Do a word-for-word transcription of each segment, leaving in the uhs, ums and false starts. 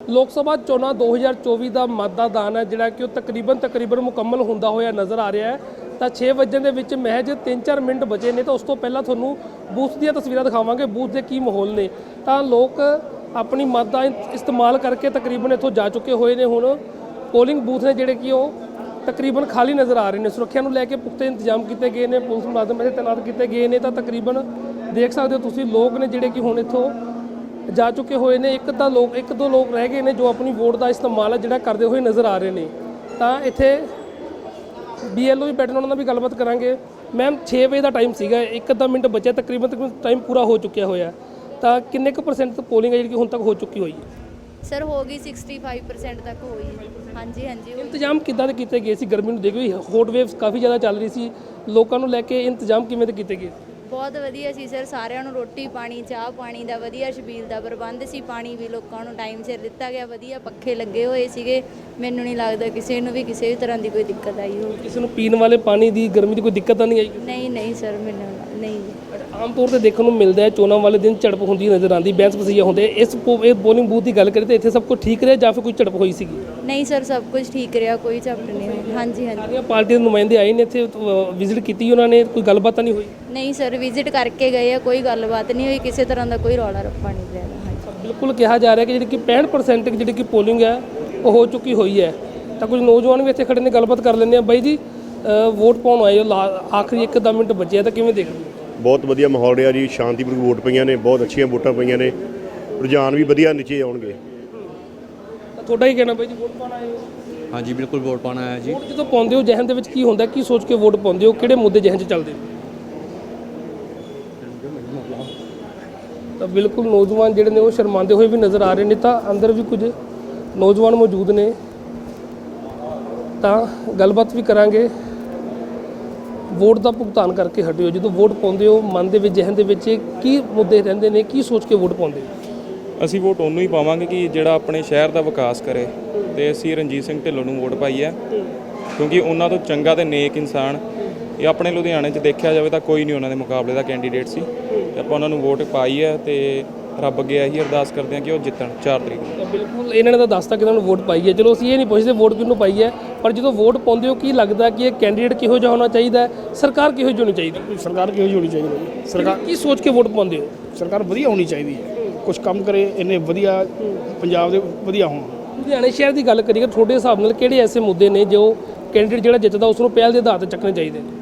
ਲੋਕ ਸਭਾ ਚੋਣਾਂ ਦੋ ਹਜ਼ਾਰ ਚੌਵੀ ਦਾ ਮਤਦਾਨ ਹੈ ਜਿਹੜਾ ਕਿ ਉਹ ਤਕਰੀਬਨ ਤਕਰੀਬਨ ਮੁਕੰਮਲ ਹੁੰਦਾ ਹੋਇਆ ਨਜ਼ਰ ਆ ਰਿਹਾ ਹੈ। ਤਾਂ ਛੇ ਵਜੇ ਦੇ ਵਿੱਚ ਮਹਿਜ ਤਿੰਨ ਚਾਰ ਮਿੰਟ ਬਚੇ ਨੇ ਤਾਂ ਉਸ ਤੋਂ ਪਹਿਲਾਂ ਤੁਹਾਨੂੰ ਬੂਥ ਦੀਆਂ ਤਸਵੀਰਾਂ ਦਿਖਾਵਾਂਗੇ, ਬੂਥ ਦੇ ਕੀ ਮਾਹੌਲ ਨੇ। ਤਾਂ ਲੋਕ ਆਪਣੀ ਮਤ ਦਾ ਇਸਤੇਮਾਲ ਕਰਕੇ ਤਕਰੀਬਨ ਇੱਥੋਂ ਜਾ ਚੁੱਕੇ ਹੋਏ ਨੇ। ਹੁਣ ਪੋਲਿੰਗ ਬੂਥ ਨੇ ਜਿਹੜੇ ਕਿ ਉਹ ਤਕਰੀਬਨ ਖਾਲੀ ਨਜ਼ਰ ਆ ਰਹੇ ਨੇ। ਸੁਰੱਖਿਆ ਨੂੰ ਲੈ ਕੇ ਪੁਖਤੇ ਇੰਤਜ਼ਾਮ ਕੀਤੇ ਗਏ ਨੇ, ਪੁਲਿਸ ਮੁਲਾਜ਼ਮ ਇੱਥੇ ਤੈਨਾਤ ਕੀਤੇ ਗਏ ਨੇ। ਤਾਂ ਤਕਰੀਬਨ ਦੇਖ ਸਕਦੇ ਹੋ ਤੁਸੀਂ ਲੋਕ ਨੇ ਜਿਹੜੇ ਕਿ ਹੁਣ ਇੱਥੋਂ ਜਾ ਚੁੱਕੇ ਹੋਏ ਨੇ। ਇੱਕ ਤਾਂ ਲੋਕ ਇੱਕ ਦੋ ਲੋਕ ਰਹਿ ਗਏ ਨੇ ਜੋ ਆਪਣੀ ਵੋਟ ਦਾ ਇਸਤੇਮਾਲ ਹੈ ਜਿਹੜਾ ਕਰਦੇ ਹੋਏ ਨਜ਼ਰ ਆ ਰਹੇ ਨੇ। ਤਾਂ ਇੱਥੇ ਬੀ ਐਲ ਓ ਵੀ ਬੈਠੇ ਨੇ, ਉਹਨਾਂ ਨਾਲ ਵੀ ਗੱਲਬਾਤ ਕਰਾਂਗੇ। ਮੈਮ ਛੇ ਵਜੇ ਦਾ ਟਾਈਮ ਸੀਗਾ, ਇੱਕ ਅੱਧਾ ਮਿੰਟ ਬਚਿਆ, ਤਕਰੀਬਨ ਤਕਰੀਬਨ ਟਾਈਮ ਪੂਰਾ ਹੋ ਚੁੱਕਿਆ ਹੋਇਆ। ਤਾਂ ਕਿੰਨੇ ਕੁ ਪਰਸੈਂਟ ਪੋਲਿੰਗ ਹੈ ਜਿਹੜੀ ਹੁਣ ਤੱਕ ਹੋ ਚੁੱਕੀ ਹੋਈ ਹੈ? ਸਰ ਹੋ ਗਈ ਪੈਂਸਠ ਪਰਸੈਂਟ ਤੱਕ ਹੋਈ ਹੈ। ਹਾਂਜੀ ਹਾਂਜੀ ਇੰਤਜ਼ਾਮ ਕਿੱਦਾਂ ਦੇ ਕੀਤੇ ਗਏ ਸੀ? ਗਰਮੀ ਨੂੰ ਦੇਖੋ ਹੌਟ ਵੇਵਸ ਕਾਫੀ ਜ਼ਿਆਦਾ ਚੱਲ ਰਹੀ ਸੀ, ਲੋਕਾਂ ਨੂੰ ਲੈ ਕੇ ਇੰਤਜ਼ਾਮ ਕਿਵੇਂ ਦੇ ਕੀਤੇ ਗਏ? ਬਹੁਤ ਵਧੀਆ ਸੀ ਸਰ, ਸਾਰਿਆਂ ਨੂੰ ਰੋਟੀ ਪਾਣੀ ਚਾਹ ਪਾਣੀ ਦਾ ਵਧੀਆ, ਛਬੀਲ ਦਾ ਪ੍ਰਬੰਧ ਸੀ, ਪਾਣੀ ਵੀ ਲੋਕਾਂ ਨੂੰ ਟਾਈਮ ਸਿਰ ਦਿੱਤਾ ਗਿਆ, ਵਧੀਆ ਪੱਖੇ ਲੱਗੇ ਹੋਏ ਸੀਗੇ। ਮੈਨੂੰ ਨਹੀਂ ਲੱਗਦਾ ਕਿਸੇ ਨੂੰ ਵੀ ਕਿਸੇ ਵੀ ਤਰ੍ਹਾਂ ਦੀ ਕੋਈ ਦਿੱਕਤ ਆਈ ਹੋਵੇ। ਕਿਸੇ ਨੂੰ ਪੀਣ ਵਾਲੇ ਪਾਣੀ ਦੀ ਗਰਮੀ ਦੀ ਕੋਈ ਦਿੱਕਤ ਤਾਂ ਨਹੀਂ ਆਈ? ਨਹੀਂ ਨਹੀਂ ਸਰ, ਮੈਨੂੰ ਨਹੀਂ। ਆਮ ਤੌਰ ਤੇ ਦੇਖਣ ਨੂੰ ਮਿਲਦਾ ਹੈ ਚੋਣਾਂ ਵਾਲੇ ਦਿਨ ਝੜਪ ਹੁੰਦੀ ਨਜ਼ਰ ਆਉਂਦੀ, ਬਹਿਸ ਵਸੀਆ ਹੁੰਦੇ। ਇਸ ਪੋਲਿੰਗ ਬੂਥ ਦੀ ਗੱਲ ਕਰੀਏ ਤਾਂ ਇੱਥੇ ਸਭ ਕੁਝ ਠੀਕ ਰਿਹਾ ਜਾਂ ਫਿਰ ਕੋਈ ਝੜਪ ਹੋਈ ਸੀਗੀ? ਨਹੀਂ ਸਰ, ਸਭ ਕੁਝ ਠੀਕ ਰਿਹਾ, ਕੋਈ ਝੜਪ ਨਹੀਂ ਹੋਈ। ਹਾਂਜੀ ਹਾਂਜੀ ਸਾਰੀਆਂ ਪਾਰਟੀਆਂ ਦੇ ਨੁਮਾਇੰਦੇ ਆਏ ਨੇ ਇੱਥੇ, ਵਿਜ਼ਿਟ ਕੀਤੀ ਉਹਨਾਂ ਨੇ, ਕੋਈ ਗੱਲਬਾਤ ਤਾਂ ਨਹੀਂ ਹੋਈ? ਨਹੀਂ ਸਰ, ਵਿਜ਼ਿਟ ਕਰਕੇ ਗਏ ਆ, ਕੋਈ ਗੱਲਬਾਤ ਨਹੀਂ ਹੋਈ, ਕਿਸੇ ਤਰ੍ਹਾਂ ਦਾ ਕੋਈ ਰੌਲਾ ਰੱਪਾ ਨਹੀਂ ਪਿਆ। ਹਾਂਜੀ ਬਿਲਕੁਲ ਕਿਹਾ ਜਾ ਰਿਹਾ ਕਿ ਜਿਹੜੀ ਕਿ ਪੈਂਹਠ ਪਰਸੈਂਟ ਜਿਹੜੀ ਕਿ ਪੋਲਿੰਗ ਹੈ ਉਹ ਹੋ ਚੁੱਕੀ ਹੋਈ ਹੈ। ਤਾਂ ਕੁਝ ਨੌਜਵਾਨ ਵੀ ਇੱਥੇ ਖੜੇ ਨੇ, ਗੱਲਬਾਤ ਕਰ ਲੈਂਦੇ ਆ। ਬਾਈ ਜੀ, ਵੋਟ ਪਾਉਣ ਆਏ ਹੋ, ਆਖਰੀ ਇੱਕ ਅੱਧਾ ਮਿੰਟ ਬਚਿਆ, ਤਾਂ ਕਿਵੇਂ ਦੇਖਦੇ ਹੋ? ਬਹੁਤ ਵਧੀਆ ਮਾਹੌਲ ਰਿਹਾ ਜੀ, ਸ਼ਾਂਤੀਪੂਰਵਕ ਵੋਟ ਪਈਆਂ ਨੇ, ਬਹੁਤ ਅੱਛੀਆਂ ਵੋਟਾਂ ਪਈਆਂ ਨੇ, ਰੁਝਾਨ ਵੀ ਵਧੀਆ ਨੀਚੇ ਆਉਣਗੇ। ਤੁਹਾਡਾ ਹੀ ਕਹਿਣਾ ਬਾਈ ਜੀ, ਵੋਟ ਪਾਉਣ ਆਏ ਹੋ? ਹਾਂਜੀ ਬਿਲਕੁਲ, ਵੋਟ ਪਾਉਣ ਆਇਆ ਜੀ। ਵੋਟ ਜਦੋਂ ਪਾਉਂਦੇ ਹੋ ਜਹਨ ਦੇ ਵਿੱਚ ਕੀ ਹੁੰਦਾ, ਕੀ ਸੋਚ ਕੇ ਵੋਟ ਪਾਉਂਦੇ ਹੋ, ਕਿਹੜੇ ਮੁੱਦੇ ਜਹਨ 'ਚ ਚੱਲਦੇ? ਤਾਂ ਬਿਲਕੁਲ ਨੌਜਵਾਨ ਜਿਹੜੇ ਨੇ ਉਹ ਸ਼ਰਮਾਉਂਦੇ ਹੋਏ ਵੀ ਨਜ਼ਰ ਆ ਰਹੇ ਨੇ। ਤਾਂ ਅੰਦਰ ਵੀ ਕੁਝ ਨੌਜਵਾਨ ਮੌਜੂਦ ਨੇ, ਤਾਂ ਗੱਲਬਾਤ ਵੀ ਕਰਾਂਗੇ। ਵੋਟ ਦਾ ਭੁਗਤਾਨ ਕਰਕੇ ਹਟਿਓ, ਜਦੋਂ ਵੋਟ ਪਾਉਂਦੇ ਹੋ ਮਨ ਦੇ ਵਿੱਚ ਜਹਨ ਦੇ ਵਿੱਚ ਕੀ ਮੁੱਦੇ ਰਹਿੰਦੇ ਨੇ, ਕੀ ਸੋਚ ਕੇ ਵੋਟ ਪਾਉਂਦੇ ਹੋ? ਅਸੀਂ ਵੋਟ ਉਹਨੂੰ ਹੀ ਪਾਵਾਂਗੇ ਕਿ ਜਿਹੜਾ ਆਪਣੇ ਸ਼ਹਿਰ ਦਾ ਵਿਕਾਸ ਕਰੇ, ਤੇ ਅਸੀਂ ਰਣਜੀਤ ਸਿੰਘ ਢਿੱਲੋਂ ਨੂੰ ਵੋਟ ਪਾਈ ਹੈ ਕਿਉਂਕਿ ਉਹਨਾਂ ਤੋਂ ਚੰਗਾ ਤੇ ਨੇਕ ਇਨਸਾਨ ਇਹ ਆਪਣੇ ਲੁਧਿਆਣੇ 'ਚ ਦੇਖਿਆ ਜਾਵੇ ਤਾਂ ਕੋਈ ਨਹੀਂ ਉਹਨਾਂ ਦੇ ਮੁਕਾਬਲੇ ਦਾ ਕੈਂਡੀਡੇਟ ਸੀ, ਤੇ ਆਪਾਂ ਉਹਨਾਂ ਨੂੰ ਵੋਟ ਪਾਈ ਹੈ। ਤੇ ਰੱਬ ਅੱਗੇ ਇਹੀ ਅਰਦਾਸ ਕਰਦੇ ਹਾਂ ਕਿ ਉਹ ਜਿੱਤਣ ਚਾਰ ਤਰੀਕ ਨੂੰ। ਬਿਲਕੁਲ ਇਹਨਾਂ ਨੇ ਤਾਂ ਦੱਸਤਾ ਕਿ ਉਹਨਾਂ ਨੂੰ ਵੋਟ ਪਾਈ ਹੈ। ਚਲੋ ਅਸੀਂ ਇਹ ਨਹੀਂ ਪੁੱਛਦੇ ਵੋਟ ਕਿਹਨੂੰ ਪਾਈ ਹੈ, ਪਰ ਜਦੋਂ ਵੋਟ ਪਾਉਂਦੇ ਹੋ ਕੀ ਲੱਗਦਾ ਕਿ ਇਹ ਕੈਂਡੀਡੇਟ ਕਿਹੋ ਜਿਹਾ ਹੋਣਾ ਚਾਹੀਦਾ ਹੈ, ਸਰਕਾਰ ਕਿਹੋ ਜਿਹੀ ਹੋਣੀ ਚਾਹੀਦੀ? ਸਰਕਾਰ ਕਿਹੋ ਜਿਹੀ ਹੋਣੀ ਚਾਹੀਦੀ ਹੈ? ਸਰਕਾਰ ਕੀ ਸੋਚ ਕੇ ਵੋਟ ਪਾਉਂਦੇ ਹੋ? ਸਰਕਾਰ ਵਧੀਆ ਹੋਣੀ ਚਾਹੀਦੀ ਹੈ, ਕੁਝ ਕੰਮ ਕਰੇ, ਇੰਨੇ ਵਧੀਆ ਪੰਜਾਬ ਦੇ ਵਧੀਆ ਹੋਣ। ਲੁਧਿਆਣੇ ਸ਼ਹਿਰ ਦੀ ਗੱਲ ਕਰੀਏ, ਤੁਹਾਡੇ ਹਿਸਾਬ ਨਾਲ ਕਿਹੜੇ ਐਸੇ ਮੁੱਦੇ ਨੇ ਜੋ ਕੈਂਡੀਡੇਟ ਜਿਹੜਾ ਜਿੱਤਦਾ ਉਸ ਨੂੰ ਪਹਿਲ ਦੇ ਆਧਾਰ 'ਤੇ ਚੱਕਣੇ ਚਾਹੀਦੇ ਨੇ?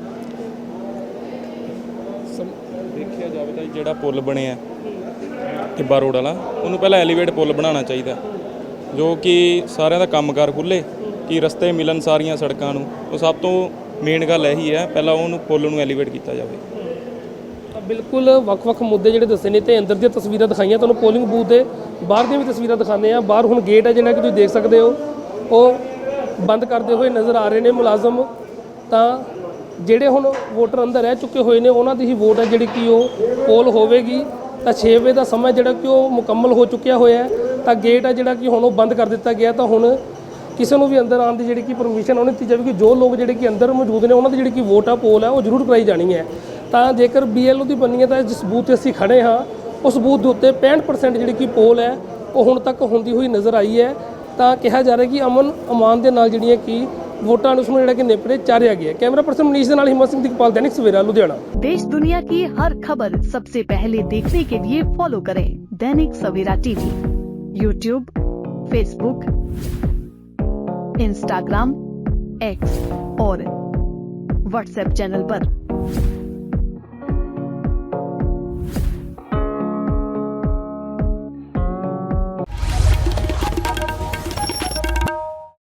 ਦੇਖਿਆ ਜਾਵੇ ਤਾਂ ਜਿਹੜਾ ਪੁਲ ਬਣਿਆ ਟਿੱਬਾ ਰੋਡ ਵਾਲਾ, ਉਹਨੂੰ ਪਹਿਲਾਂ ਐਲੀਵੇਟ ਪੁਲ ਬਣਾਉਣਾ ਚਾਹੀਦਾ, ਜੋ ਕਿ ਸਾਰਿਆਂ ਦਾ ਕੰਮਕਾਰ ਖੁੱਲ੍ਹੇ, ਕਿ ਰਸਤੇ ਮਿਲਣ ਸਾਰੀਆਂ ਸੜਕਾਂ ਨੂੰ। ਉਹ ਸਭ ਤੋਂ ਮੇਨ ਗੱਲ ਇਹੀ ਹੈ, ਪਹਿਲਾਂ ਉਹਨੂੰ ਪੁਲ ਨੂੰ ਐਲੀਵੇਟ ਕੀਤਾ ਜਾਵੇ। ਬਿਲਕੁਲ ਵੱਖ-ਵੱਖ ਮੁੱਦੇ ਜਿਹੜੇ ਦੱਸੇ ਨੇ, ਤੇ ਅੰਦਰ ਦੀਆਂ ਤਸਵੀਰਾਂ ਦਿਖਾਈਆਂ ਤੁਹਾਨੂੰ, ਪੋਲਿੰਗ ਬੂਥ ਦੇ ਬਾਹਰ ਦੀਆਂ ਵੀ ਤਸਵੀਰਾਂ ਦਿਖਾਉਂਦੇ ਆ। ਬਾਹਰ ਹੁਣ ਗੇਟ ਹੈ ਜਿਹੜਾ ਕਿ ਤੁਸੀਂ ਦੇਖ ਸਕਦੇ ਹੋ, ਉਹ ਬੰਦ ਕਰਦੇ ਹੋਏ ਨਜ਼ਰ ਆ ਰਹੇ ਨੇ ਮੁਲਾਜ਼ਮ। ਤਾਂ ਜਿਹੜੇ ਹੁਣ ਵੋਟਰ ਅੰਦਰ ਰਹਿ ਚੁੱਕੇ ਹੋਏ ਨੇ ਉਹਨਾਂ ਦੀ ਹੀ ਵੋਟ ਹੈ ਜਿਹੜੀ ਕਿ ਉਹ ਪੋਲ ਹੋਵੇਗੀ। ਤਾਂ ਛੇ ਵਜੇ ਦਾ ਸਮਾਂ ਜਿਹੜਾ ਕਿ ਉਹ ਮੁਕੰਮਲ ਹੋ ਚੁੱਕਿਆ ਹੋਇਆ ਹੈ। ਤਾਂ ਗੇਟ ਹੈ ਜਿਹੜਾ ਕਿ ਹੁਣ ਉਹ ਬੰਦ ਕਰ ਦਿੱਤਾ ਗਿਆ। ਤਾਂ ਹੁਣ ਕਿਸੇ ਨੂੰ ਵੀ ਅੰਦਰ ਆਉਣ ਦੀ ਜਿਹੜੀ ਕਿ ਪਰਮਿਸ਼ਨ ਉਹ ਨਹੀਂ ਦਿੱਤੀ ਜਾਵੇਗੀ। ਜੋ ਲੋਕ ਜਿਹੜੇ ਕਿ ਅੰਦਰ ਮੌਜੂਦ ਨੇ ਉਹਨਾਂ ਦੀ ਜਿਹੜੀ ਕਿ ਵੋਟ ਆ ਪੋਲ ਹੈ ਉਹ ਜ਼ਰੂਰ ਕਰਾਈ ਜਾਣੀ ਹੈ। ਤਾਂ ਜੇਕਰ ਬੀ ਐਲ ਓ ਦੀ ਬਣਨੀ ਹੈ ਤਾਂ ਜਿਸ ਬੂਥ 'ਤੇ ਅਸੀਂ ਖੜ੍ਹੇ ਹਾਂ ਉਸ ਬੂਥ ਦੇ ਉੱਤੇ ਪੈਂਹਠ ਪਰਸੈਂਟ ਜਿਹੜੀ ਕਿ ਪੋਲ ਹੈ ਉਹ ਹੁਣ ਤੱਕ ਹੁੰਦੀ ਹੋਈ ਨਜ਼ਰ ਆਈ ਹੈ। ਤਾਂ ਕਿਹਾ ਜਾ ਰਿਹਾ ਕਿ ਅਮਨ ਅਮਾਨ ਦੇ ਨਾਲ ਜਿਹੜੀਆਂ ਕਿ ਵੋਟਾਂ ਨੂੰ ਉਸਨੂੰ ਜਿਹੜਾ ਕਿ ਨੇਪਰੇ ਚਾਰਿਆ ਗਿਆ। कैमरा पर्सन मनीष ਦੇ ਨਾਲ ਹਿੰਮਤ ਸਿੰਘ दिगपाल, दैनिक सवेरा, लुधियाना। देश दुनिया की हर खबर सबसे पहले देखने के लिए फॉलो करें Dainik Savera TV, YouTube, Facebook, Instagram, X और व्हाट्सएप चैनल पर।